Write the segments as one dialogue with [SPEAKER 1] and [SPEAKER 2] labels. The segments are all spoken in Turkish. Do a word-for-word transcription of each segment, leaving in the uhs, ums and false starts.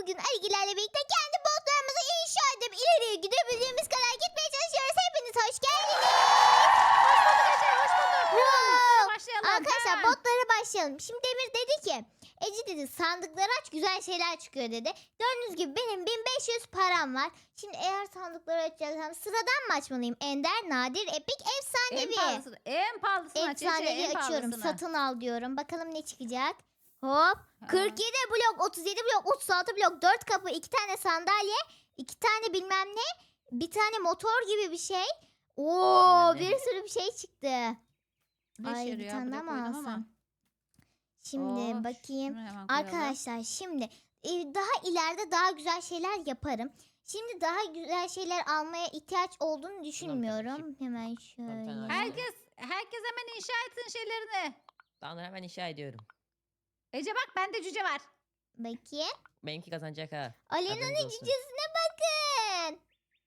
[SPEAKER 1] bugün Ali'lerle birlikte kendi botlarımızı inşa edip ileriye gidebildiğimiz kadar gitmeye çalışıyoruz. Hepiniz hoş geldiniz.
[SPEAKER 2] Hoş bulduk Ece, hoş bulduk.
[SPEAKER 1] Wow.
[SPEAKER 2] Başlayalım.
[SPEAKER 1] Arkadaşlar
[SPEAKER 2] Ha.
[SPEAKER 1] botlara başlayalım. Şimdi Demir dedi ki Ece dedi sandıkları aç güzel şeyler çıkıyor dedi. Gördüğünüz gibi benim bin beş yüz param var. Şimdi eğer sandıkları açacaksam sıradan mı açmalıyım? Ender, nadir, epik,
[SPEAKER 2] En
[SPEAKER 1] efsanevi.
[SPEAKER 2] pahalısını, en pahalısını aç Ece,
[SPEAKER 1] Efsanevi
[SPEAKER 2] en
[SPEAKER 1] açıyorum.
[SPEAKER 2] pahalısını.
[SPEAKER 1] Satın al diyorum. Bakalım ne çıkacak. Hop. kırk yedi blok, otuz yedi blok, otuz altı blok, dört kapı, iki tane sandalye, iki tane bilmem ne, bir tane motor gibi bir şey. Oo,
[SPEAKER 3] Bilmem ne.
[SPEAKER 1] bir sürü bir şey çıktı.
[SPEAKER 2] Ne
[SPEAKER 1] Ay
[SPEAKER 2] işe
[SPEAKER 1] bir
[SPEAKER 2] yarıyor?
[SPEAKER 1] tane
[SPEAKER 2] Buraya
[SPEAKER 1] daha mı
[SPEAKER 2] koydum ama.
[SPEAKER 1] alsam? Şimdi
[SPEAKER 2] Oh,
[SPEAKER 1] bakayım.
[SPEAKER 2] şunu hemen koyalım.
[SPEAKER 1] Arkadaşlar şimdi e, daha ileride daha güzel şeyler yaparım. Şimdi daha güzel şeyler almaya ihtiyaç olduğunu düşünmüyorum. Hemen
[SPEAKER 3] tane
[SPEAKER 1] şöyle.
[SPEAKER 3] alayım.
[SPEAKER 2] Herkes, herkes hemen inşa etsin şeylerini.
[SPEAKER 3] Tamam hemen inşa ediyorum.
[SPEAKER 2] Ece bak bende cüce var.
[SPEAKER 1] Bakayım.
[SPEAKER 3] Benimki kazanacak ha.
[SPEAKER 1] Alena'nın
[SPEAKER 3] Haberiniz olsun.
[SPEAKER 1] cücesine bakın.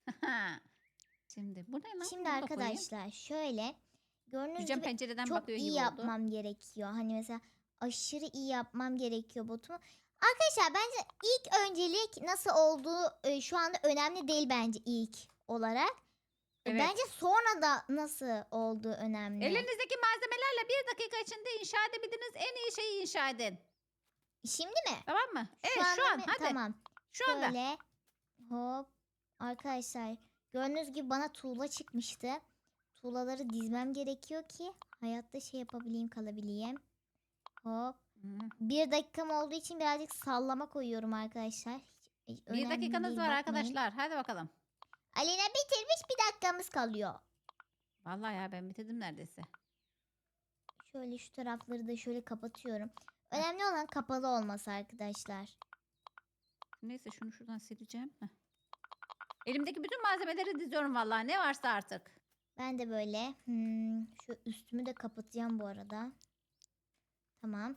[SPEAKER 2] Şimdi bu ne lan?
[SPEAKER 1] Şimdi
[SPEAKER 2] Bunu da koyayım.
[SPEAKER 1] arkadaşlar şöyle gördüğünüz
[SPEAKER 2] Cücem
[SPEAKER 1] gibi
[SPEAKER 2] pencereden
[SPEAKER 1] çok
[SPEAKER 2] bakıyor
[SPEAKER 1] iyi
[SPEAKER 2] gibi
[SPEAKER 1] yapmam
[SPEAKER 2] oldu.
[SPEAKER 1] gerekiyor. Hani mesela aşırı iyi yapmam gerekiyor botumu. Arkadaşlar bence ilk öncelik nasıl olduğu e, şu anda önemli değil bence ilk olarak. E,
[SPEAKER 2] Evet.
[SPEAKER 1] Bence sonra da nasıl olduğu önemli.
[SPEAKER 2] Elinizdeki malzemelerle bir dakika içinde inşa edebildiğiniz en iyi şeyi inşa edin.
[SPEAKER 1] Şimdi mi?
[SPEAKER 2] Tamam mı? Evet
[SPEAKER 1] anda
[SPEAKER 2] şu an
[SPEAKER 1] mı?
[SPEAKER 2] hadi.
[SPEAKER 1] Tamam.
[SPEAKER 2] Şu anda.
[SPEAKER 1] Şöyle hop. Arkadaşlar gördüğünüz gibi bana tuğla çıkmıştı. Tuğlaları dizmem gerekiyor ki hayatta şey yapabileyim kalabileyim. Hop.
[SPEAKER 2] Hı.
[SPEAKER 1] Bir dakikam olduğu için birazcık sallama koyuyorum arkadaşlar. Hiç, hiç
[SPEAKER 2] Bir
[SPEAKER 1] önemli
[SPEAKER 2] dakikanız
[SPEAKER 1] değil,
[SPEAKER 2] var
[SPEAKER 1] bakmayın.
[SPEAKER 2] arkadaşlar. Hadi bakalım.
[SPEAKER 1] Alena bitirmiş bir dakikamız kalıyor.
[SPEAKER 2] Vallahi ya ben bitirdim neredeyse.
[SPEAKER 1] Şöyle şu tarafları da şöyle kapatıyorum. Önemli olan kapalı olması arkadaşlar.
[SPEAKER 2] Neyse şunu şuradan sileceğim. Heh. Elimdeki bütün malzemeleri diziyorum vallahi ne varsa artık.
[SPEAKER 1] Ben de böyle hmm, şu üstümü de kapatacağım bu arada. Tamam.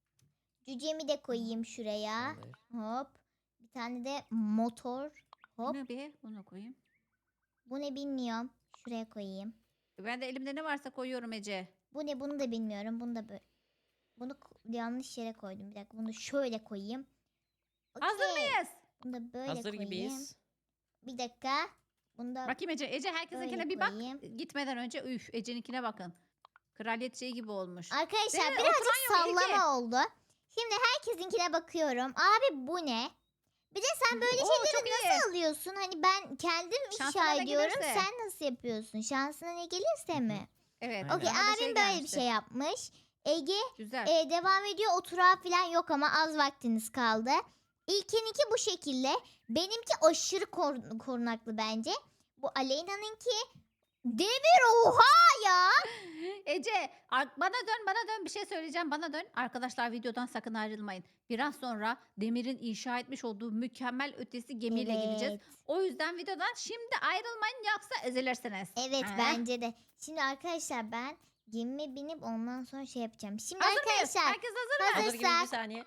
[SPEAKER 1] Cücemi de koyayım şuraya.
[SPEAKER 3] Tamamdır.
[SPEAKER 1] Hop. Bir tane de motor. Hop.
[SPEAKER 2] Bunu bir bunu koyayım.
[SPEAKER 1] Bu ne bilmiyorum. Şuraya koyayım.
[SPEAKER 2] Ben de elimde ne varsa koyuyorum Ece.
[SPEAKER 1] Bu ne bunu da bilmiyorum. Bunu da böyle. Bunu ko- yanlış yere koydum. Bir dakika bunu şöyle koyayım.
[SPEAKER 2] Hazır
[SPEAKER 1] Okey.
[SPEAKER 2] mıyız?
[SPEAKER 1] Bunu da böyle
[SPEAKER 3] Hazır
[SPEAKER 1] koyayım.
[SPEAKER 3] gibiyiz.
[SPEAKER 1] Bir dakika. Bunu da
[SPEAKER 2] Bakayım Ece. Ece herkesinkine
[SPEAKER 1] böyle
[SPEAKER 2] bir bak.
[SPEAKER 1] koyayım.
[SPEAKER 2] Gitmeden önce üf Ece'ninkine bakın. Kraliyet şeyi gibi olmuş.
[SPEAKER 1] Arkadaşlar
[SPEAKER 2] Değil mi?
[SPEAKER 1] birazcık
[SPEAKER 2] Oturan yok,
[SPEAKER 1] sallama oldu. Şimdi herkesinkine bakıyorum. Abi bu ne? Bir de sen böyle
[SPEAKER 2] Oo,
[SPEAKER 1] şeyleri
[SPEAKER 2] çok iyi.
[SPEAKER 1] nasıl alıyorsun? Hani ben kendim
[SPEAKER 2] Şansına
[SPEAKER 1] inşa
[SPEAKER 2] ne
[SPEAKER 1] ediyorum.
[SPEAKER 2] gelirse.
[SPEAKER 1] Sen nasıl yapıyorsun? Şansına ne gelirse mi?
[SPEAKER 2] Evet.
[SPEAKER 3] Aynen.
[SPEAKER 1] Okey
[SPEAKER 2] bana da
[SPEAKER 1] abim böyle bir
[SPEAKER 2] gelmişti.
[SPEAKER 1] şey yapmış. Ege
[SPEAKER 2] Güzel.
[SPEAKER 1] e, devam ediyor. Oturağı falan yok ama az vaktiniz kaldı. İlkininki bu şekilde. Benimki aşırı kor- korunaklı bence. Bu Aleyna'nınki demir oha ya.
[SPEAKER 2] Ece ar- bana dön bana dön bir şey söyleyeceğim bana dön. Arkadaşlar videodan sakın ayrılmayın. Biraz sonra Demir'in inşa etmiş olduğu mükemmel ötesi gemiyle gideceğiz.
[SPEAKER 1] Evet.
[SPEAKER 2] O yüzden videodan şimdi ayrılmayın yoksa ezilirsiniz.
[SPEAKER 1] Evet
[SPEAKER 2] Ha?
[SPEAKER 1] bence de. Şimdi arkadaşlar ben gemime binip ondan sonra şey yapacağım. Şimdi
[SPEAKER 2] Hazır mıyız?
[SPEAKER 1] arkadaşlar
[SPEAKER 2] Herkes hazır mı?
[SPEAKER 1] hazır.
[SPEAKER 3] Hazır gibi bir
[SPEAKER 1] Hazırsak.
[SPEAKER 3] saniye.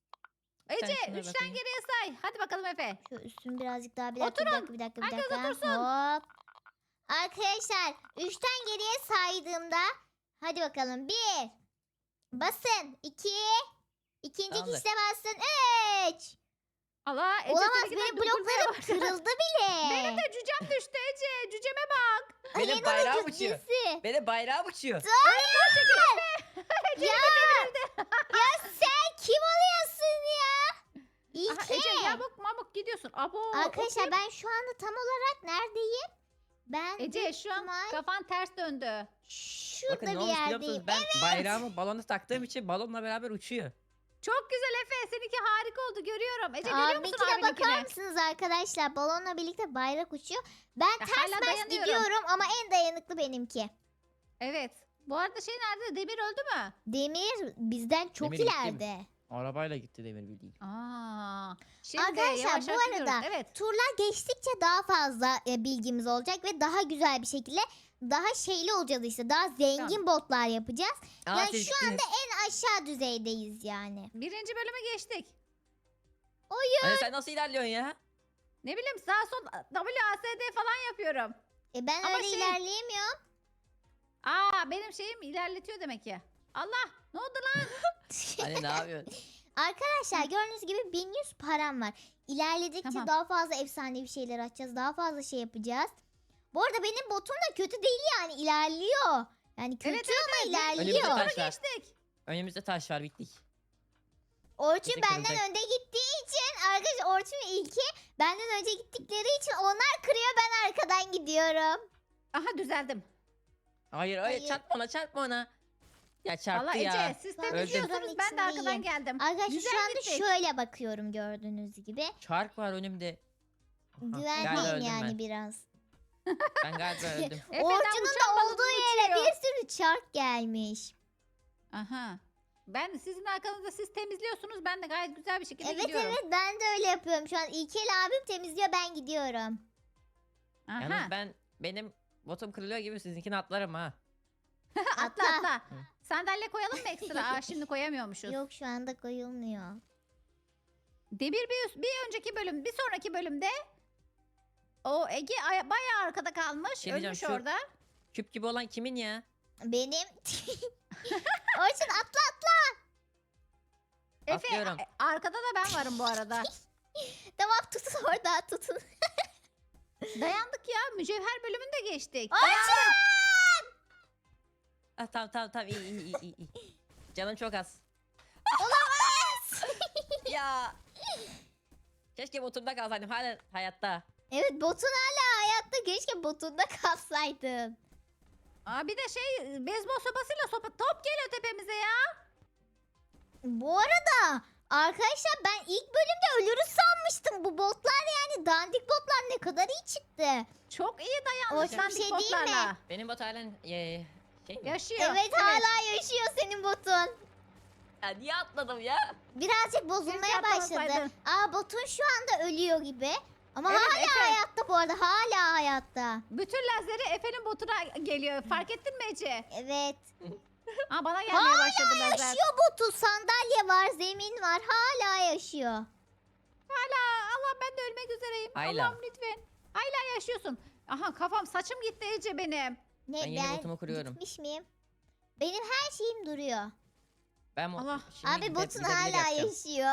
[SPEAKER 2] Ece
[SPEAKER 3] tanesine
[SPEAKER 2] üçten
[SPEAKER 3] bakayım.
[SPEAKER 2] geriye say. Hadi bakalım Efe.
[SPEAKER 1] şu üstümü birazcık daha bir dakika
[SPEAKER 2] Oturun.
[SPEAKER 1] bir dakika bir dakika. Bir
[SPEAKER 2] Herkes
[SPEAKER 1] dakika.
[SPEAKER 2] otursun.
[SPEAKER 1] Hop. Arkadaşlar üçten geriye saydığımda hadi bakalım bir basın iki ikinci
[SPEAKER 3] Tamamdır.
[SPEAKER 1] kişide basın üç.
[SPEAKER 2] Allah Ece
[SPEAKER 1] Olamaz
[SPEAKER 2] seninkinden
[SPEAKER 1] benim
[SPEAKER 2] dökülmeye
[SPEAKER 1] bloklarım
[SPEAKER 2] bak.
[SPEAKER 1] kırıldı bile.
[SPEAKER 2] Benim de cücem düştü Ece. Cüceme bak.
[SPEAKER 3] Benim
[SPEAKER 1] Alena'nın
[SPEAKER 3] bayrağım uçuyor.
[SPEAKER 1] cücesi.
[SPEAKER 3] Benim bayrağım uçuyor.
[SPEAKER 1] Ya, ya sen kim oluyorsun ya?
[SPEAKER 2] Aha,
[SPEAKER 1] İlke.
[SPEAKER 2] Ece yamuk mamuk gidiyorsun. Abo,
[SPEAKER 1] Arkadaşlar
[SPEAKER 2] okey.
[SPEAKER 1] ben şu anda tam olarak neredeyim? Ben
[SPEAKER 2] Ece
[SPEAKER 1] büyük
[SPEAKER 2] şu an
[SPEAKER 1] ihtimal
[SPEAKER 2] kafan ters döndü.
[SPEAKER 1] şurada
[SPEAKER 3] Bakın ne
[SPEAKER 1] bir
[SPEAKER 3] olmuş biliyor
[SPEAKER 1] yerdeyim.
[SPEAKER 3] musunuz? Ben bayrağımı balona taktığım için balonla beraber uçuyor.
[SPEAKER 2] Çok güzel Efe. Seninki harika oldu görüyorum. Ece görüyor musun
[SPEAKER 1] Abinkine bakar
[SPEAKER 2] abininkine?
[SPEAKER 1] mısınız arkadaşlar? Balonla birlikte bayrak uçuyor. Ben
[SPEAKER 2] Ya
[SPEAKER 1] ters
[SPEAKER 2] hala
[SPEAKER 1] mers
[SPEAKER 2] dayanıyorum.
[SPEAKER 1] gidiyorum ama en dayanıklı benimki.
[SPEAKER 2] Evet. Bu arada şey nerede? Demir öldü mü?
[SPEAKER 1] Demir bizden çok
[SPEAKER 3] Demir gitti mi?
[SPEAKER 1] ileride.
[SPEAKER 3] Arabayla gitti demir bildiğin.
[SPEAKER 2] Aa. Şimdi
[SPEAKER 1] Arkadaşlar,
[SPEAKER 2] yavaş
[SPEAKER 1] bu
[SPEAKER 2] yavaş
[SPEAKER 1] arada
[SPEAKER 2] gidiyoruz. Evet.
[SPEAKER 1] Turlar geçtikçe daha fazla e, bilgimiz olacak ve daha güzel bir şekilde daha şeyli olacağız işte. Daha zengin botlar yapacağız.
[SPEAKER 3] Aa,
[SPEAKER 1] Yani
[SPEAKER 3] siz
[SPEAKER 1] şu anda
[SPEAKER 3] gittiniz.
[SPEAKER 1] en aşağı düzeydeyiz yani.
[SPEAKER 2] Birinci bölüme geçtik.
[SPEAKER 3] Anne sen nasıl ilerliyorsun ya?
[SPEAKER 2] Ne bileyim sağ sol W A S D falan yapıyorum.
[SPEAKER 1] E ben
[SPEAKER 2] Ama
[SPEAKER 1] öyle
[SPEAKER 2] şey-
[SPEAKER 1] ilerleyemiyorum.
[SPEAKER 2] Aa benim şeyim ilerletiyor demek ki. Allah ne oldu lan?
[SPEAKER 3] Anne ne yapıyorsun?
[SPEAKER 1] Arkadaşlar gördüğünüz gibi bin yüz param var. İlerledikçe
[SPEAKER 2] Tamam.
[SPEAKER 1] daha fazla efsanevi şeyler açacağız. Daha fazla şey yapacağız. Bu arada benim botum da kötü değil yani ilerliyor. Yani kötü
[SPEAKER 2] Evet, evet,
[SPEAKER 1] ama
[SPEAKER 2] evet.
[SPEAKER 3] Önümüzde
[SPEAKER 1] ilerliyor.
[SPEAKER 3] taş var.
[SPEAKER 2] Geçtik.
[SPEAKER 3] Önümüzde taş var, bittik.
[SPEAKER 1] Orçun
[SPEAKER 3] Bizi
[SPEAKER 1] benden
[SPEAKER 3] kıracak.
[SPEAKER 1] önde gittiği için arkadaşlar Orçun ve İlki benden önce gittikleri için onlar kırıyor ben arkadan gidiyorum.
[SPEAKER 2] Aha düzeldim.
[SPEAKER 3] Hayır hayır,
[SPEAKER 1] Hayır.
[SPEAKER 3] çarpma ona, çarpma ona. Ya çarptı
[SPEAKER 2] Valla
[SPEAKER 3] ya.
[SPEAKER 2] Ece siz
[SPEAKER 1] Ben
[SPEAKER 2] temizliyorsunuz
[SPEAKER 1] şuranın
[SPEAKER 2] ben de arkadan
[SPEAKER 1] içindeyim.
[SPEAKER 2] geldim.
[SPEAKER 1] Arkadaşlar
[SPEAKER 2] Güzel
[SPEAKER 1] şu anda
[SPEAKER 2] gittik.
[SPEAKER 1] şöyle bakıyorum gördüğünüz gibi.
[SPEAKER 3] Çark var önümde. Aha, galiba
[SPEAKER 1] Güvenliyim
[SPEAKER 3] öldüm
[SPEAKER 1] yani
[SPEAKER 3] ben.
[SPEAKER 1] biraz.
[SPEAKER 3] Ben galiba öldüm.
[SPEAKER 2] Efe'den
[SPEAKER 1] Orçun'un
[SPEAKER 2] uçan
[SPEAKER 1] da
[SPEAKER 2] balonu
[SPEAKER 1] olduğu yere
[SPEAKER 2] uçuyor.
[SPEAKER 1] bir sürü çark gelmiş.
[SPEAKER 2] Aha. Ben sizin arkanızda siz temizliyorsunuz. Ben de gayet güzel bir şekilde
[SPEAKER 1] Evet
[SPEAKER 2] gidiyorum.
[SPEAKER 1] evet ben de öyle yapıyorum. Şu an İlkel abim temizliyor ben gidiyorum.
[SPEAKER 2] Aha.
[SPEAKER 3] Yalnız ben, benim botum kırılıyor gibi sizinkini atlarım ha.
[SPEAKER 2] atla atla. Sandalye koyalım mı ekstra? Aa, şimdi koyamıyormuşuz.
[SPEAKER 1] Yok şu anda koyulmuyor.
[SPEAKER 2] Demir bir, bir önceki bölüm, bir sonraki bölümde o Ege ay- bayağı arkada kalmış.
[SPEAKER 3] Şey diyeceğim,
[SPEAKER 2] Ölmüş
[SPEAKER 3] şu-
[SPEAKER 2] orada.
[SPEAKER 3] Küp gibi olan kimin ya?
[SPEAKER 1] Benim. Orçun atla.
[SPEAKER 2] Efe
[SPEAKER 3] Atlıyorum.
[SPEAKER 2] a- arkada da ben varım bu arada.
[SPEAKER 1] Tamam tutun orada tutun.
[SPEAKER 2] Dayandık ya. Mücevher bölümünü de geçtik.
[SPEAKER 1] Orçun!
[SPEAKER 3] Ah, tamam tamam tamam, iyi iyi iyi iyi. Canım çok az.
[SPEAKER 1] Olamaz.
[SPEAKER 3] Ya. Keşke botumda kalsaydım, hala hayatta.
[SPEAKER 1] Evet botun hala hayatta. Keşke botunda kalsaydın.
[SPEAKER 2] Aa, bir de şey beyzbol sopasıyla sopa top geliyor tepemize ya.
[SPEAKER 1] Bu arada arkadaşlar ben ilk bölümde ölürüz sanmıştım. Bu botlar yani dandik botlar ne kadar iyi çıktı.
[SPEAKER 2] Çok iyi dayandık
[SPEAKER 1] Orçun, bir
[SPEAKER 2] dandik
[SPEAKER 1] şey değil mi?
[SPEAKER 2] botlarla.
[SPEAKER 3] Benim bot halen ee, şey mi?
[SPEAKER 2] Yaşıyor.
[SPEAKER 1] Evet, hala yaşıyor senin botun.
[SPEAKER 3] Ya niye atladım ya?
[SPEAKER 1] Birazcık bozulmaya
[SPEAKER 2] Keşke
[SPEAKER 1] başladı.
[SPEAKER 2] atlamasaydın.
[SPEAKER 1] Aa botun şu anda ölüyor gibi. Ama
[SPEAKER 2] Evet,
[SPEAKER 1] hala
[SPEAKER 2] Efe.
[SPEAKER 1] hayatta bu arada hala hayatta.
[SPEAKER 2] Bütün lazeri Efe'nin botuna geliyor. Fark ettin mi Ece?
[SPEAKER 1] Evet.
[SPEAKER 2] Aa, bana gelmeye başladı lazer.
[SPEAKER 1] Yaşıyor botu sandalye var zemin var hala yaşıyor.
[SPEAKER 2] Hala Allah ben de ölmek üzereyim.
[SPEAKER 3] Ayla.
[SPEAKER 2] Allah'ım lütfen. Hala yaşıyorsun. Aha kafam saçım gitti Ece benim.
[SPEAKER 1] Ne
[SPEAKER 3] Ben yeni botumu kuruyorum.
[SPEAKER 1] gitmiş miyim? Benim her şeyim duruyor.
[SPEAKER 3] Ben mo-
[SPEAKER 2] Allah.
[SPEAKER 3] şimdi
[SPEAKER 1] Abi
[SPEAKER 3] bir de-
[SPEAKER 1] botun
[SPEAKER 3] bir de bileri
[SPEAKER 1] hala
[SPEAKER 3] yapacağım.
[SPEAKER 1] yaşıyor.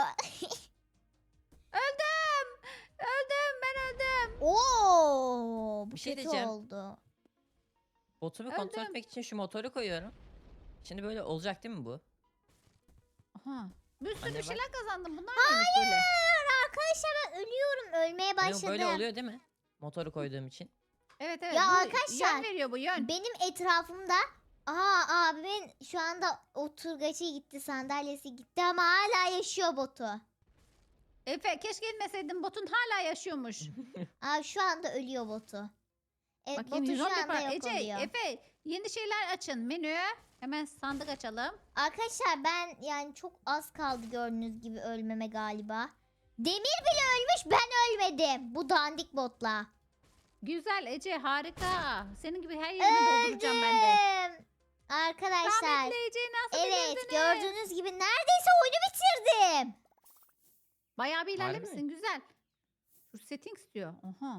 [SPEAKER 2] Öldüm. Öldüm ben öldüm.
[SPEAKER 1] Oo, bu
[SPEAKER 3] Bir şey
[SPEAKER 1] kötü
[SPEAKER 3] diyeceğim.
[SPEAKER 1] oldu.
[SPEAKER 3] Botumu kontrol
[SPEAKER 2] Öldüm.
[SPEAKER 3] etmek için şu motoru koyuyorum. Şimdi böyle olacak değil mi bu?
[SPEAKER 2] Aha. Bir sürü
[SPEAKER 3] Anne
[SPEAKER 2] bir
[SPEAKER 3] bak.
[SPEAKER 2] şeyler kazandım. Bunlar neymiş böyle?
[SPEAKER 1] Hayır arkadaşlar ben ölüyorum ölmeye
[SPEAKER 3] Benim
[SPEAKER 1] başladım.
[SPEAKER 3] böyle oluyor değil mi? Motoru koyduğum için.
[SPEAKER 2] Evet evet.
[SPEAKER 1] Ya
[SPEAKER 2] bu
[SPEAKER 1] arkadaşlar,
[SPEAKER 2] Yön veriyor bu yön.
[SPEAKER 1] Benim etrafımda aa abimin şu anda oturgacı gitti sandalyesi gitti ama hala yaşıyor botu.
[SPEAKER 2] Efe keşke inmeseydin botun hala yaşıyormuş.
[SPEAKER 1] Aa şu anda ölüyor botu. Evet
[SPEAKER 2] Bakayım
[SPEAKER 1] botu
[SPEAKER 2] yüz
[SPEAKER 1] şu
[SPEAKER 2] on bir
[SPEAKER 1] anda
[SPEAKER 2] para.
[SPEAKER 1] yok
[SPEAKER 2] Ece,
[SPEAKER 1] oluyor.
[SPEAKER 2] Efe yeni şeyler açın. Menü. Hemen sandık açalım.
[SPEAKER 1] Arkadaşlar ben yani çok az kaldı gördüğünüz gibi ölmeme galiba. Demir bile ölmüş ben ölmedim bu dandik botla.
[SPEAKER 2] Güzel Ece harika. Senin gibi her yerimi dolduracağım ben de.
[SPEAKER 1] Öldüm. Arkadaşlar
[SPEAKER 2] Rahmetli Ece'yi nasıl
[SPEAKER 1] evet
[SPEAKER 2] bitirdiniz?
[SPEAKER 1] gördüğünüz gibi neredeyse oyunu bitirdim.
[SPEAKER 2] Bayağı bir
[SPEAKER 3] Harbi
[SPEAKER 2] ilerlemişsin güzel. Şu settings diyor. Oha.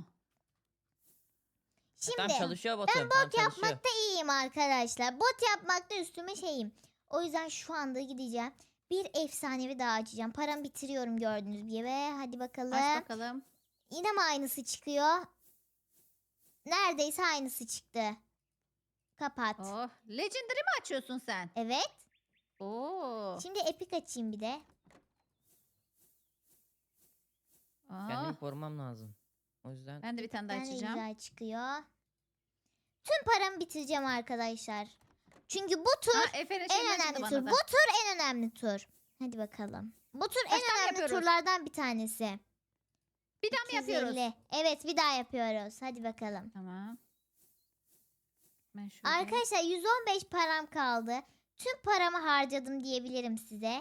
[SPEAKER 1] Şimdi
[SPEAKER 3] Tam çalışıyor botum.
[SPEAKER 1] ben
[SPEAKER 3] tam
[SPEAKER 1] bot
[SPEAKER 3] çalışıyor.
[SPEAKER 1] yapmakta iyiyim arkadaşlar. Bot yapmakta üstüme şeyim. O yüzden şu anda gideceğim. Bir efsanevi daha açacağım. Paramı bitiriyorum gördüğünüz gibi. Ve hadi bakalım.
[SPEAKER 2] Aç bakalım.
[SPEAKER 1] Yine mi aynısı çıkıyor? Neredeyse aynısı çıktı. Kapat.
[SPEAKER 2] Oh. Legendary mi açıyorsun sen?
[SPEAKER 1] Evet.
[SPEAKER 2] Oo.
[SPEAKER 1] Şimdi epic açayım bir de.
[SPEAKER 3] Kendimi
[SPEAKER 2] Oh.
[SPEAKER 3] korumam lazım. O yüzden
[SPEAKER 2] Ben de bir tane daha
[SPEAKER 1] Ben de
[SPEAKER 2] açacağım.
[SPEAKER 1] güzel çıkıyor. Tüm paramı bitireceğim arkadaşlar. Çünkü bu tur
[SPEAKER 2] Ha, Efe'nin
[SPEAKER 1] en
[SPEAKER 2] şeyinden çıktı
[SPEAKER 1] önemli
[SPEAKER 2] bana
[SPEAKER 1] tur.
[SPEAKER 2] da.
[SPEAKER 1] Bu tur en önemli tur. Hadi bakalım. Bu tur
[SPEAKER 2] Kaç
[SPEAKER 1] en
[SPEAKER 2] tane
[SPEAKER 1] önemli
[SPEAKER 2] yapıyoruz?
[SPEAKER 1] turlardan bir tanesi.
[SPEAKER 2] Bir daha mı yapıyoruz?
[SPEAKER 1] iki yüz elli. Evet bir daha yapıyoruz. Hadi bakalım.
[SPEAKER 2] Tamam. Ben şöyle.
[SPEAKER 1] Arkadaşlar yüz on beş param kaldı. Tüm paramı harcadım diyebilirim size.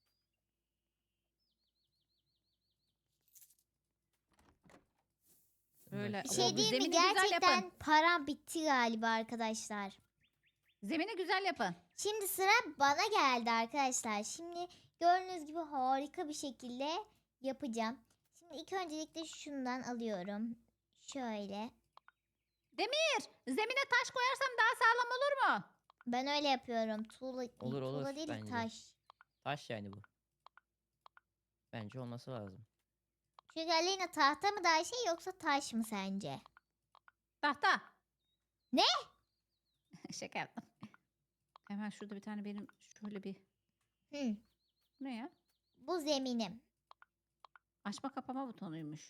[SPEAKER 2] Böyle.
[SPEAKER 1] Bir
[SPEAKER 2] Oo,
[SPEAKER 1] şey değil mi?
[SPEAKER 2] zemini güzel
[SPEAKER 1] Gerçekten
[SPEAKER 2] yapın.
[SPEAKER 1] param bitti galiba arkadaşlar.
[SPEAKER 2] Zemini güzel yapın.
[SPEAKER 1] Şimdi sıra bana geldi arkadaşlar. Şimdi gördüğünüz gibi harika bir şekilde yapacağım. Şimdi ilk öncelikle şundan alıyorum. Şöyle.
[SPEAKER 2] Demir. Zemine taş koyarsam daha sağlam olur mu?
[SPEAKER 1] Ben öyle yapıyorum. Tuğla,
[SPEAKER 3] Olur, olur
[SPEAKER 1] tuğla değil
[SPEAKER 3] bence.
[SPEAKER 1] taş.
[SPEAKER 3] taş yani bu. Bence olması lazım.
[SPEAKER 1] Çünkü Aleyna tahta mı daha şey yoksa taş mı sence?
[SPEAKER 2] Tahta.
[SPEAKER 1] Ne?
[SPEAKER 2] Şaka yaptım. Hemen şurada bir tane benim şöyle bir
[SPEAKER 1] Hı,
[SPEAKER 2] ne ya?
[SPEAKER 1] bu zeminim.
[SPEAKER 2] Açma kapama butonuymuş.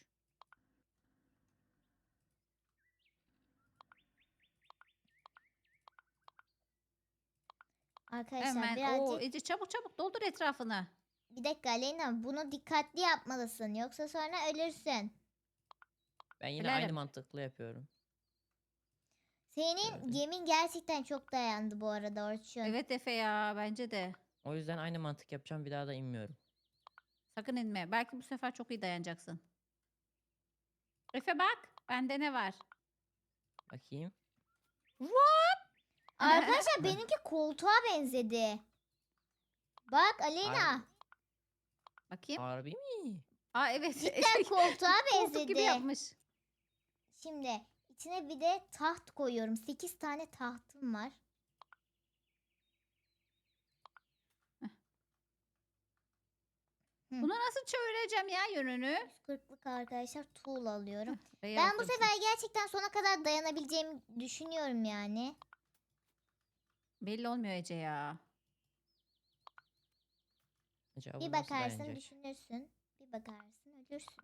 [SPEAKER 1] Arkadaşlar
[SPEAKER 2] Hemen
[SPEAKER 1] birazcık
[SPEAKER 2] o Ece çabuk çabuk doldur etrafını.
[SPEAKER 1] bir dakika Aleyna bunu dikkatli yapmalısın yoksa sonra ölürsün.
[SPEAKER 3] Ben yine
[SPEAKER 2] Ölerim.
[SPEAKER 3] aynı mantıklı yapıyorum.
[SPEAKER 1] Senin
[SPEAKER 3] Şöyle.
[SPEAKER 1] gemin gerçekten çok dayandı bu arada Orçun.
[SPEAKER 2] Evet Efe ya bence de.
[SPEAKER 3] O yüzden aynı mantık yapacağım. Bir daha da inmiyorum.
[SPEAKER 2] Sakın inme. Belki bu sefer çok iyi dayanacaksın. Efe bak. Bende ne var?
[SPEAKER 3] Bakayım.
[SPEAKER 1] Arkadaşlar benimki koltuğa benzedi. Bak Aleyna.
[SPEAKER 3] Harbi,
[SPEAKER 2] Bakayım.
[SPEAKER 3] harbi mi?
[SPEAKER 2] Aa evet.
[SPEAKER 1] Cidden koltuğa
[SPEAKER 2] Koltuk gibi
[SPEAKER 1] benzedi.
[SPEAKER 2] yapmış.
[SPEAKER 1] Şimdi içine bir de taht koyuyorum. sekiz tane tahtım var.
[SPEAKER 2] Bunu nasıl çevireceğim ya yönünü?
[SPEAKER 1] yüz kırklık arkadaşlar tool alıyorum.
[SPEAKER 2] R'ye
[SPEAKER 1] Ben bu
[SPEAKER 2] bastım
[SPEAKER 1] sefer gerçekten sona kadar dayanabileceğimi düşünüyorum yani.
[SPEAKER 2] şimdi. Belli olmuyor Ece ya.
[SPEAKER 3] Acaba
[SPEAKER 1] Bir
[SPEAKER 3] bu nasıl
[SPEAKER 1] bakarsın
[SPEAKER 3] dayanacak?
[SPEAKER 1] düşünürsün. Bir bakarsın ölürsün.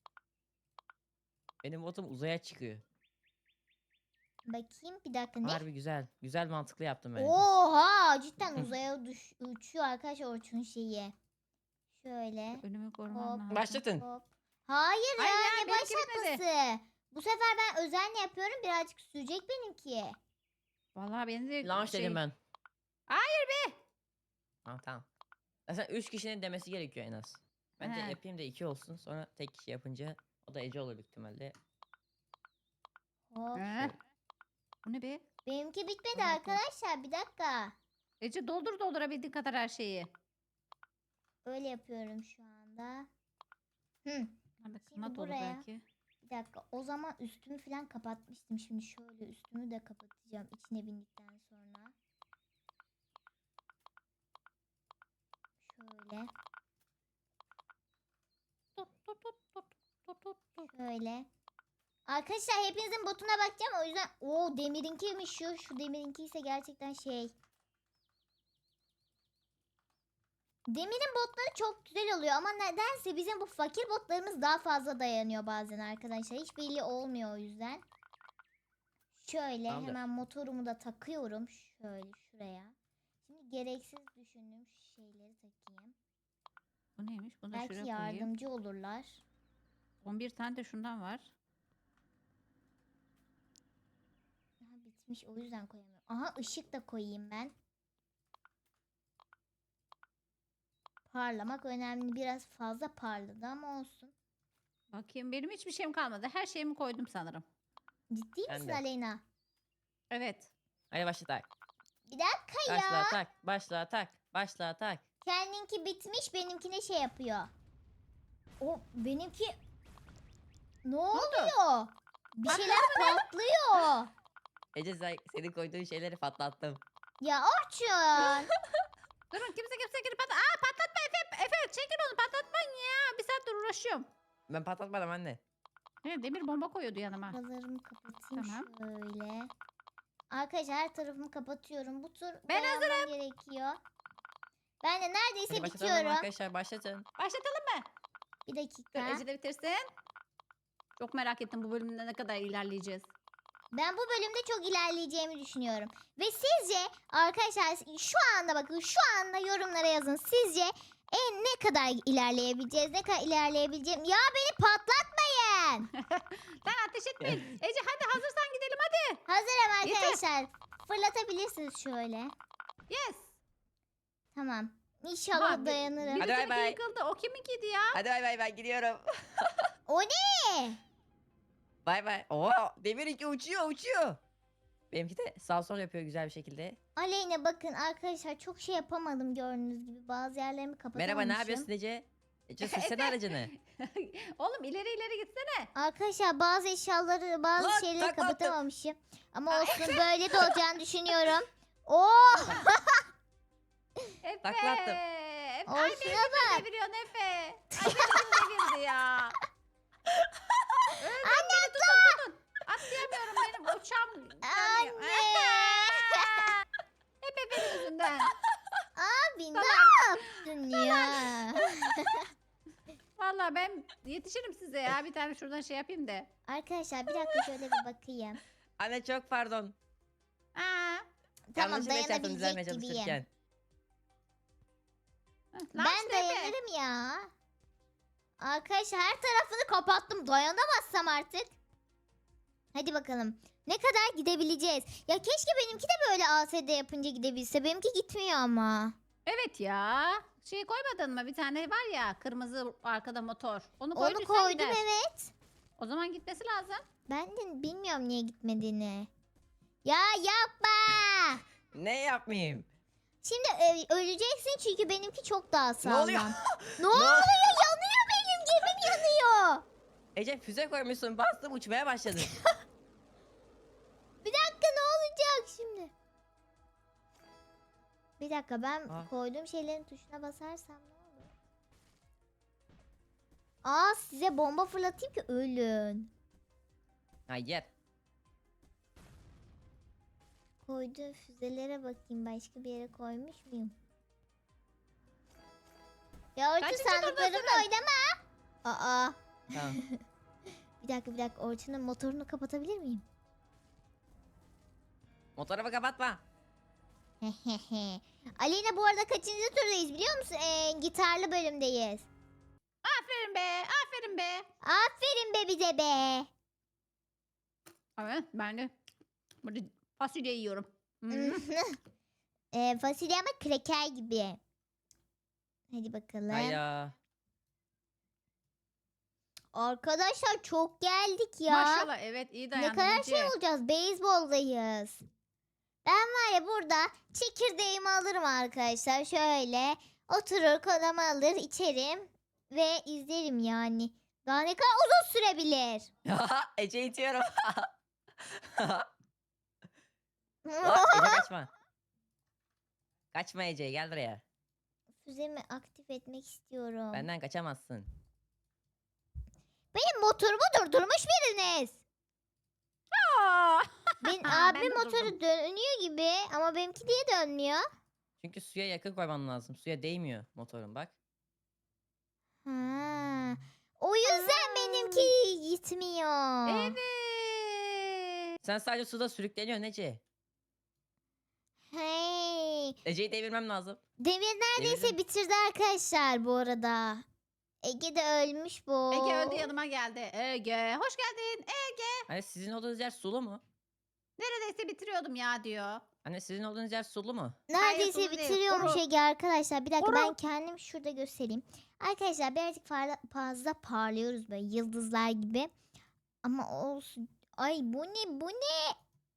[SPEAKER 3] Benim botum uzaya çıkıyor.
[SPEAKER 1] Bakayım bir dakika ne?
[SPEAKER 3] Harbi güzel. Güzel mantıklı yaptım bence.
[SPEAKER 1] Oha cidden uzaya düş, uçuyor arkadaşlar Orçun şeyi. Şöyle.
[SPEAKER 2] Önümü korumam
[SPEAKER 1] Hop.
[SPEAKER 2] lazım.
[SPEAKER 3] Başlatın.
[SPEAKER 1] Hop. Hayır ya
[SPEAKER 2] Hayır ya,
[SPEAKER 1] ne
[SPEAKER 2] benimki bitmedi.
[SPEAKER 1] başlatması. Bu sefer ben özenle yapıyorum birazcık sürecek benimki.
[SPEAKER 2] Vallahi benim de
[SPEAKER 3] Launch
[SPEAKER 2] şey...
[SPEAKER 3] dedim ben.
[SPEAKER 2] Hayır be.
[SPEAKER 3] Tamam tamam. Zaten üç kişinin demesi gerekiyor en az. Ben de
[SPEAKER 2] He.
[SPEAKER 3] yapayım da iki olsun. Sonra tek kişi yapınca o da Ece olur büyük ihtimalle.
[SPEAKER 1] Hop.
[SPEAKER 2] He. Bu ne be?
[SPEAKER 1] Benimki bitmedi
[SPEAKER 2] Dur bakayım.
[SPEAKER 1] arkadaşlar bir dakika.
[SPEAKER 2] Ece doldur doldurabildiğin kadar her şeyi.
[SPEAKER 1] Öyle yapıyorum şu anda. Hı.
[SPEAKER 2] Nerede
[SPEAKER 1] Şimdi
[SPEAKER 2] kanat olur
[SPEAKER 1] buraya-
[SPEAKER 2] belki.
[SPEAKER 1] Bir dakika o zaman üstümü falan kapatmıştım. Şimdi şöyle üstümü de kapatacağım içine bindikten sonra. Şöyle.
[SPEAKER 2] Tut tut tut tut tut tut tut.
[SPEAKER 1] Şöyle. Arkadaşlar hepinizin botuna bakacağım o yüzden o demirinkiymiş şu. Şu demirinki ise gerçekten şey. Demirin botları çok güzel oluyor ama nedense bizim bu fakir botlarımız daha fazla dayanıyor bazen arkadaşlar. Hiç belli olmuyor o yüzden. Şöyle
[SPEAKER 3] Tamamdır.
[SPEAKER 1] hemen motorumu da takıyorum. Şöyle şuraya. Şimdi gereksiz düşündüğüm şeyleri takayım.
[SPEAKER 2] Bu neymiş? Bunu da
[SPEAKER 1] Belki
[SPEAKER 2] şuraya koyayım.
[SPEAKER 1] yardımcı olurlar.
[SPEAKER 2] on bir tane de şundan var.
[SPEAKER 1] Aha, bitmiş o yüzden koyamıyorum. Aha ışık da koyayım ben. Parlamak önemli. Biraz fazla parladı ama olsun.
[SPEAKER 2] Bakayım benim hiçbir şeyim kalmadı. Her şeyimi koydum sanırım.
[SPEAKER 1] Ciddi
[SPEAKER 3] Ben
[SPEAKER 1] misin
[SPEAKER 3] de.
[SPEAKER 1] Aleyna?
[SPEAKER 2] Evet.
[SPEAKER 3] Hadi başla tak.
[SPEAKER 1] Bir dakika ya.
[SPEAKER 3] Başla tak. Başla tak. Başla tak.
[SPEAKER 1] Kendinki bitmiş benimkine şey yapıyor. O benimki ne oluyor? Bir şeyler patlıyor.
[SPEAKER 3] Ece sen, senin koyduğun şeyleri patlattım.
[SPEAKER 1] Ya Orçun.
[SPEAKER 2] Durun kimse kimse girip patlat. Aa patlatma Efe. Efe çekil onu patlatmayın ya. Bir saattir uğraşıyorum.
[SPEAKER 3] Ben patlatmadım anne.
[SPEAKER 2] He, demir bomba koyuyordu yanıma.
[SPEAKER 1] Buralarımı kapatayım
[SPEAKER 2] Tamam.
[SPEAKER 1] şöyle. Arkadaşlar her tarafımı kapatıyorum. Bu tur
[SPEAKER 2] Ben
[SPEAKER 1] dayanmam gerekiyor. Ben de neredeyse
[SPEAKER 3] Hadi başlatalım
[SPEAKER 1] bitiyorum.
[SPEAKER 3] arkadaşlar başlatın.
[SPEAKER 2] Başlatalım mı?
[SPEAKER 1] Bir
[SPEAKER 2] Dur
[SPEAKER 1] dakika.
[SPEAKER 2] Ece de bitirsin. Çok merak ettim bu bölümde ne kadar ilerleyeceğiz.
[SPEAKER 1] Ben bu bölümde çok ilerleyeceğimi düşünüyorum. Ve sizce arkadaşlar şu anda bakın şu anda yorumlara yazın. Sizce en ne kadar ilerleyebileceğiz? Ne kadar ilerleyebileceğim? Ya beni patlatmayın.
[SPEAKER 2] Lan ateş etmeyin. Ece hadi hazırsan gidelim hadi.
[SPEAKER 1] Hazırım
[SPEAKER 2] Yeter.
[SPEAKER 1] arkadaşlar. Fırlatabilirsiniz şöyle.
[SPEAKER 2] Yes.
[SPEAKER 1] Tamam. İnşallah
[SPEAKER 2] Aha, bir-
[SPEAKER 1] dayanırım.
[SPEAKER 3] Hadi bay
[SPEAKER 2] birisininki
[SPEAKER 3] bay.
[SPEAKER 2] yıkıldı. O kiminkiydi ya?
[SPEAKER 3] Hadi bay bay ben gidiyorum.
[SPEAKER 1] O ne?
[SPEAKER 3] Bay bay. Oo demir iki uçuyor uçuyor. Benimki de sağ sol yapıyor güzel bir şekilde.
[SPEAKER 1] Aleyna bakın arkadaşlar çok şey yapamadım gördüğünüz gibi. Bazı yerlerimi kapatamamışım.
[SPEAKER 3] Merhaba ne yapıyorsun Ece? Ece sürsene aracını.
[SPEAKER 2] Oğlum ileri ileri gitsene.
[SPEAKER 1] Arkadaşlar bazı eşyaları bazı
[SPEAKER 3] Lan,
[SPEAKER 1] şeyleri
[SPEAKER 3] taklattım.
[SPEAKER 1] kapatamamışım. Ama olsun böyle de olacağını düşünüyorum. Oh!
[SPEAKER 2] Efe.
[SPEAKER 3] Taklattım.
[SPEAKER 2] Efe Ay
[SPEAKER 1] Olsun
[SPEAKER 2] beni
[SPEAKER 1] ama.
[SPEAKER 2] kim deviriyorsun Efe? Ay beni kim devirdi ya? Öldüm beni tutun tutun. Atlayamıyorum benim uçağım. gelmiyor.
[SPEAKER 1] Anne.
[SPEAKER 2] Hep Efe'nin yüzünden.
[SPEAKER 1] Abi ne yaptın ya?
[SPEAKER 2] Valla ben yetişirim size ya. Bir tane şuradan şey yapayım da.
[SPEAKER 1] Arkadaşlar bir dakika şöyle bir bakayım.
[SPEAKER 3] Anne çok pardon.
[SPEAKER 2] Aa.
[SPEAKER 1] Tamam
[SPEAKER 3] Yanlışlıkla etrafını düzelmeye
[SPEAKER 1] dayanabilecek gibiyim.
[SPEAKER 3] çalışırken.
[SPEAKER 2] Lan
[SPEAKER 1] Ben
[SPEAKER 2] işte Efe.
[SPEAKER 1] dayanırım ya. Arkadaşlar her tarafını kapattım. Dayanamazsam artık. Hadi bakalım. Ne kadar gidebileceğiz? Ya keşke benimki de böyle A S D yapınca gidebilse. Benimki gitmiyor ama.
[SPEAKER 2] Evet ya. Şey koymadın mı? Bir tane var ya kırmızı arkada motor. Onu
[SPEAKER 1] Onu
[SPEAKER 2] koyduysan
[SPEAKER 1] koydum
[SPEAKER 2] gider.
[SPEAKER 1] evet.
[SPEAKER 2] O zaman gitmesi lazım.
[SPEAKER 1] Ben de bilmiyorum niye gitmediğini. Ya yapma.
[SPEAKER 3] Ne yapmayayım?
[SPEAKER 1] Şimdi e, öleceksin çünkü benimki çok daha
[SPEAKER 3] Ne
[SPEAKER 1] sağlam.
[SPEAKER 3] oluyor?
[SPEAKER 1] Ne oluyor? Yanıyor benim gemim yanıyor.
[SPEAKER 3] Ece füze koymuşsun bastım uçmaya başladım.
[SPEAKER 1] Bir dakika ne olacak şimdi? Bir dakika ben
[SPEAKER 3] Aa.
[SPEAKER 1] koyduğum şeylerin tuşuna basarsam ne olur? Aa size bomba fırlatayım ki ölün.
[SPEAKER 3] Hayır.
[SPEAKER 1] Koyduğum füzelere bakayım başka bir yere koymuş muyum? Ya Orçun
[SPEAKER 2] Kaçıncı
[SPEAKER 1] sandıklarımla
[SPEAKER 2] turdasın?
[SPEAKER 1] oynama. Aa
[SPEAKER 3] Tamam.
[SPEAKER 1] bir dakika bir dakika Orçun'un motorunu kapatabilir miyim?
[SPEAKER 3] Motorumu kapatma.
[SPEAKER 1] Aleyna bu arada kaçıncı turdayız biliyor musun? Ee, gitarlı bölümdeyiz.
[SPEAKER 2] Aferin be. Aferin be.
[SPEAKER 1] Aferin be bize be.
[SPEAKER 2] Evet ben de burada fasulye yiyorum. Hmm.
[SPEAKER 1] e, fasulye ama kreker gibi. Hadi bakalım.
[SPEAKER 3] Hayda.
[SPEAKER 1] Arkadaşlar çok geldik ya.
[SPEAKER 2] Maşallah evet iyi
[SPEAKER 1] Ne
[SPEAKER 2] dayandın
[SPEAKER 1] kadar
[SPEAKER 2] Ece.
[SPEAKER 1] şey olacağız. Beyzboldayız. Ben var ya burada çekirdeğimi alırım arkadaşlar. Şöyle oturur kolamı alır içerim ve izlerim yani. Daha ne kadar uzun sürebilir.
[SPEAKER 3] Ece itiyorum. Lan, Ece kaçma. Kaçma Ece gel buraya.
[SPEAKER 1] Füzemi aktif etmek istiyorum.
[SPEAKER 3] Benden kaçamazsın.
[SPEAKER 1] Benim motorumu durdurmuş biriniz.
[SPEAKER 2] Aa!
[SPEAKER 1] Benim
[SPEAKER 2] Ben
[SPEAKER 1] abimin
[SPEAKER 2] de
[SPEAKER 1] motoru
[SPEAKER 2] durdum.
[SPEAKER 1] dönüyor gibi ama benimki niye dönmüyor?
[SPEAKER 3] Çünkü suya yakın koyman lazım. Suya değmiyor motorun bak.
[SPEAKER 1] Ha. O yüzden
[SPEAKER 2] Aa.
[SPEAKER 1] benimki gitmiyor.
[SPEAKER 2] Evet.
[SPEAKER 3] Sen sadece suda sürükleniyorsun Ece.
[SPEAKER 1] Hey.
[SPEAKER 3] Ece'yi devirmem lazım.
[SPEAKER 1] Demir neredeyse
[SPEAKER 3] Devirdim.
[SPEAKER 1] bitirdi arkadaşlar bu arada. Ege de ölmüş bu.
[SPEAKER 2] Ege öldü yanıma geldi. Ege hoş geldin. Ege
[SPEAKER 3] Hani sizin olduğunuz yer sulu mu?
[SPEAKER 2] neredeyse bitiriyordum ya diyor.
[SPEAKER 3] Hani sizin olduğunuz yer sulu mu?
[SPEAKER 1] Neredeyse
[SPEAKER 2] sulu değil,
[SPEAKER 1] bitiriyormuş
[SPEAKER 2] kuru.
[SPEAKER 1] Ege arkadaşlar. Bir dakika
[SPEAKER 2] Kuru.
[SPEAKER 1] ben kendim şurada göstereyim. Arkadaşlar birazcık farla- fazla parlıyoruz böyle yıldızlar gibi. Ama olsun. Ay bu ne bu ne?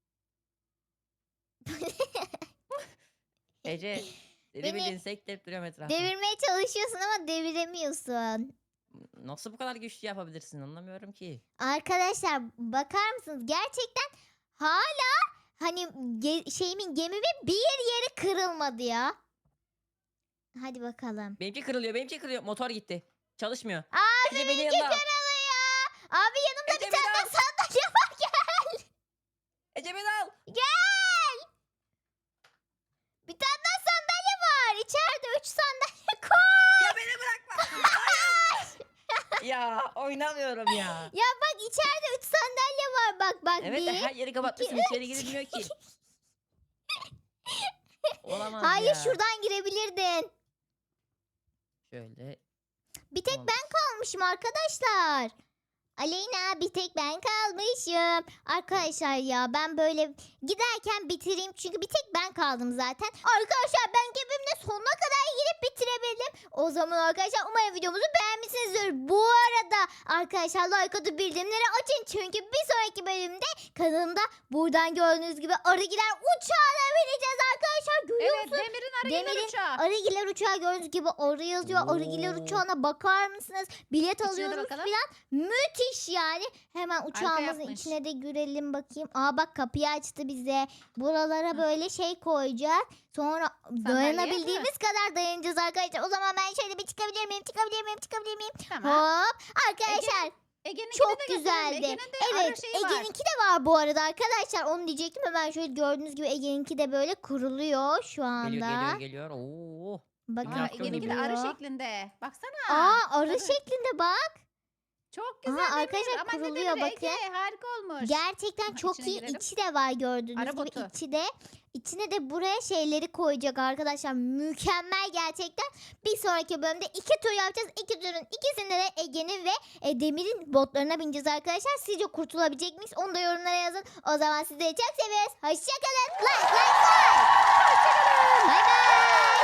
[SPEAKER 3] Ece deli
[SPEAKER 1] Beni
[SPEAKER 3] bildiğin sektirip duruyorum etrafta.
[SPEAKER 1] Devirmeye çalışıyorsun ama deviremiyorsun.
[SPEAKER 3] Nasıl bu kadar güçlü yapabilirsin anlamıyorum ki.
[SPEAKER 1] Arkadaşlar bakar mısınız? Gerçekten hala hani ge- şeyimin gemimin bir yeri kırılmadı ya. Hadi bakalım.
[SPEAKER 3] Benimki kırılıyor benimki kırılıyor. Motor gitti. Çalışmıyor.
[SPEAKER 1] Abi
[SPEAKER 3] Ece beni
[SPEAKER 1] benimki
[SPEAKER 3] yanına al.
[SPEAKER 1] kırılıyor. Abi yanımda
[SPEAKER 3] Ece
[SPEAKER 1] bir
[SPEAKER 3] beni
[SPEAKER 1] tane
[SPEAKER 3] al.
[SPEAKER 1] sandalye var gel.
[SPEAKER 3] Ece beni al.
[SPEAKER 1] Gel. Bir tane daha sandalye var. İçeride üç sandalye koy.
[SPEAKER 3] Ya beni bırakma. Hayır. ya oynamıyorum ya.
[SPEAKER 1] Ya bak içeride üç sandalye var. Bak bak
[SPEAKER 3] Evet de
[SPEAKER 1] bir.
[SPEAKER 3] her yeri kapatmışsın
[SPEAKER 1] iki,
[SPEAKER 3] içeri girilmiyor ki. Olamaz
[SPEAKER 1] Hayır
[SPEAKER 3] ya.
[SPEAKER 1] şuradan girebilirdin.
[SPEAKER 3] Şöyle.
[SPEAKER 1] Bir tek
[SPEAKER 3] Tamam.
[SPEAKER 1] ben kalmışım arkadaşlar. Aleyna bir tek ben kalmışım. Arkadaşlar ya ben böyle giderken bitireyim çünkü bir tek ben kaldım zaten. Arkadaşlar ben gemimle sonuna kadar gidip bitirebildim. O zaman arkadaşlar umarım videomuzu beğenmişsinizdir. Bu arada arkadaşlar like atıp bildirimleri açın. Çünkü bir sonraki bölümde kanalımda buradan gördüğünüz gibi arıgiler uçağına bineceğiz arkadaşlar. arkadaşlar görüyor
[SPEAKER 2] Evet
[SPEAKER 1] musunuz?
[SPEAKER 2] Demir'in arıgiller
[SPEAKER 1] Demir'in
[SPEAKER 2] uçağı.
[SPEAKER 1] Arıgiler uçağı gördüğünüz gibi arı yazıyor. Arıgiler
[SPEAKER 3] Oo.
[SPEAKER 1] uçağına bakar mısınız? Bilet
[SPEAKER 2] İçine de
[SPEAKER 1] alıyoruz
[SPEAKER 2] bakalım.
[SPEAKER 1] falan. Müthiş yani. Hemen uçağımızın
[SPEAKER 2] yapmış.
[SPEAKER 1] içine de girelim bakayım. Aa bak kapıyı açtı bize. Buralara böyle şey koyacak. Sonra dayanabildiğimiz kadar dayanacağız arkadaşlar. O zaman ben şöyle bir çıkabilir miyim? Çıkabilir miyim? Çıkabilir miyim?
[SPEAKER 2] Tamam.
[SPEAKER 1] Hop. Arkadaşlar
[SPEAKER 2] Ege'ninkini
[SPEAKER 1] çok
[SPEAKER 2] de gösterelim.
[SPEAKER 1] güzeldi.
[SPEAKER 2] Ege'nin de arı
[SPEAKER 1] evet
[SPEAKER 2] şeyi var.
[SPEAKER 1] Ege'ninki de var bu arada arkadaşlar. Onu diyecektim hemen şöyle gördüğünüz gibi Ege'ninki de böyle kuruluyor şu anda.
[SPEAKER 3] Geliyor geliyor geliyor. Oo.
[SPEAKER 1] Bakın
[SPEAKER 2] Aa,
[SPEAKER 3] Minnak
[SPEAKER 2] Ege'ninki de arı
[SPEAKER 1] kuruluyor.
[SPEAKER 2] şeklinde. Baksana.
[SPEAKER 1] Aa arı
[SPEAKER 2] Tabii.
[SPEAKER 1] şeklinde bak.
[SPEAKER 2] Çok güzel
[SPEAKER 1] Aha,
[SPEAKER 2] Demir.
[SPEAKER 1] arkadaşlar
[SPEAKER 2] Aman ne
[SPEAKER 1] kuruluyor,
[SPEAKER 2] Demir,
[SPEAKER 1] bakın.
[SPEAKER 2] Ege, harika olmuş.
[SPEAKER 1] Gerçekten
[SPEAKER 2] Aha,
[SPEAKER 1] çok
[SPEAKER 2] içine
[SPEAKER 1] iyi.
[SPEAKER 2] girelim.
[SPEAKER 1] İçi de var gördüğünüz
[SPEAKER 2] Arı
[SPEAKER 1] gibi.
[SPEAKER 2] botu.
[SPEAKER 1] İçi de. İçine de buraya şeyleri koyacak arkadaşlar. Mükemmel gerçekten. Bir sonraki bölümde iki tur yapacağız. İki turun ikisinde de Ege'nin ve e, Demir'in botlarına bineceğiz arkadaşlar. Sizce kurtulabilecek miyiz? Onu da yorumlara yazın. O zaman sizleri çok seviyoruz. Hoşçakalın. Like like like. Hoşçakalın. Bay bay.